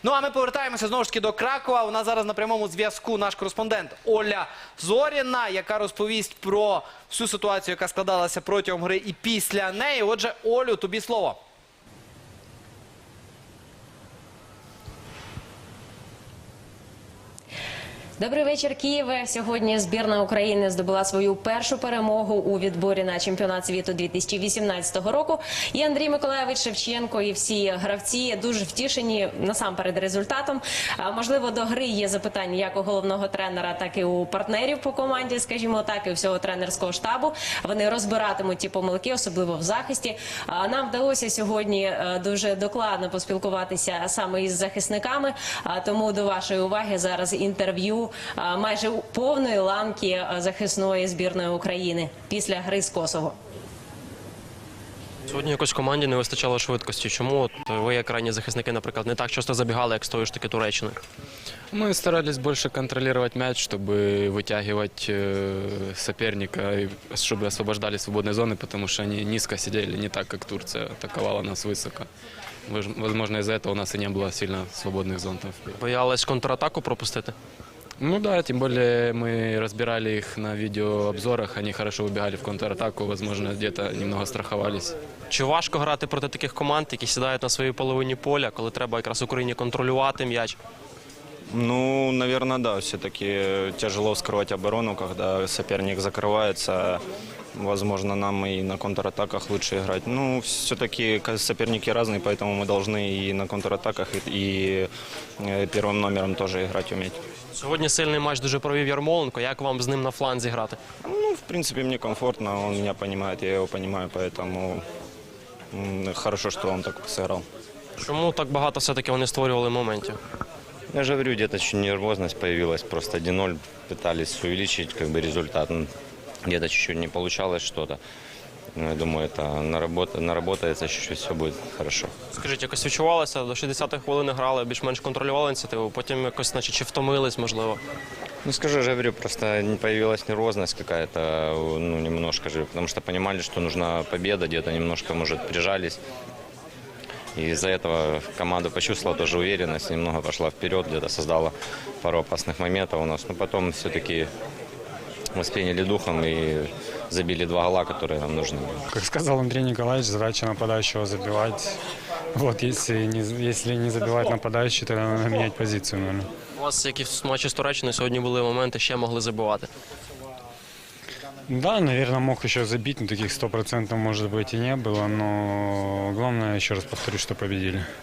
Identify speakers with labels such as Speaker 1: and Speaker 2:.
Speaker 1: Ну а ми повертаємося знову ж таки до Кракова. У нас зараз на прямому зв'язку наш кореспондент Оля Зоріна, яка розповість про всю ситуацію, яка складалася протягом гри і після неї. Отже, Олю, тобі слово.
Speaker 2: Добрий вечір, Києве. Сьогодні збірна України здобула свою першу перемогу у відборі на чемпіонат світу 2018 року. І Андрій Миколайович Шевченко, і всі гравці дуже втішені насамперед результатом. Можливо, до гри є запитання як у головного тренера, так і у партнерів по команді, скажімо так, і у всього тренерського штабу. Вони розбиратимуть ті помилки, особливо в захисті. Нам вдалося сьогодні дуже докладно поспілкуватися саме із захисниками, тому до вашої уваги зараз інтерв'ю майже повної ланки захисної збірної України після гри з Косово.
Speaker 3: Сьогодні якось команді не вистачало швидкості. Чому ви, як крайні захисники, наприклад, не так часто забігали, як з тої ж таки Туреччини?
Speaker 4: Мы старались больше контролировать мяч, чтобы вытягивать соперника, чтобы освобождали свободные зоны, потому что они низко сидели, не так, как Турция атаковала нас высоко. Возможно, из-за этого у нас и не было сильно свободных зон там вперед.
Speaker 3: Боялись контратаку пропустити?
Speaker 4: Ну да, тем более мы разбирали их на видеообзорах, они хорошо выбегали в контратаку, возможно, где-то немного страховались.
Speaker 3: Чи важко грати проти таких команд, які сідають на своїй половині поля, коли треба якраз Україні контролювати м'яч?
Speaker 5: Ну, наверное, да. Все-таки тяжело вскрывать оборону, когда соперник закрывается. Возможно, нам и на контратаках лучше играть. Ну, все-таки соперники разные, поэтому мы должны и на контратаках, и первым номером тоже играть уметь.
Speaker 3: Сьогодні сильний матч дуже провів Ярмоленко. Як вам з ним на фланзі грати?
Speaker 5: Ну, в принципе, мне комфортно, он меня понимает, я его понимаю, поэтому хорошо, что он так сыграл.
Speaker 3: Чому так багато все-таки вони створювали моментів?
Speaker 6: Я же говорю, где-то чуть нервозность появилась, просто 1-0 пытались увеличить результат. Где-то чуть-чуть не получалось что-то. Но я думаю, это наработается, чуть-чуть все будет хорошо.
Speaker 3: Скажіть, якось відчувалося, до 60-ї хвилини грали, більш-менш контролювали ініціативу, потім якось, наче, чи втомились, можливо?
Speaker 6: Ну, скажу, я же говорю, просто появилась нервозность какая-то, ну, немножко же, потому что понимали, что нужна победа, где-то немножко, может, прижались. И из-за этого команда почувствовала тоже уверенность, немного пошла вперед, где-то создала пару опасных моментов у нас. Но потом все-таки восприняли духом и забили 2 гола, которые нам нужны.
Speaker 7: Как сказал Андрей Николаевич, задача нападающего забивать. Вот, если не забивать нападающий, тогда надо менять позицию, наверное.
Speaker 3: У вас, як і в матчі з Туреччиною, сьогодні були моменти, ще могли забивати.
Speaker 7: Да, наверное, мог еще забить, но таких 100% может быть и не было, но главное, еще раз повторю, что победили.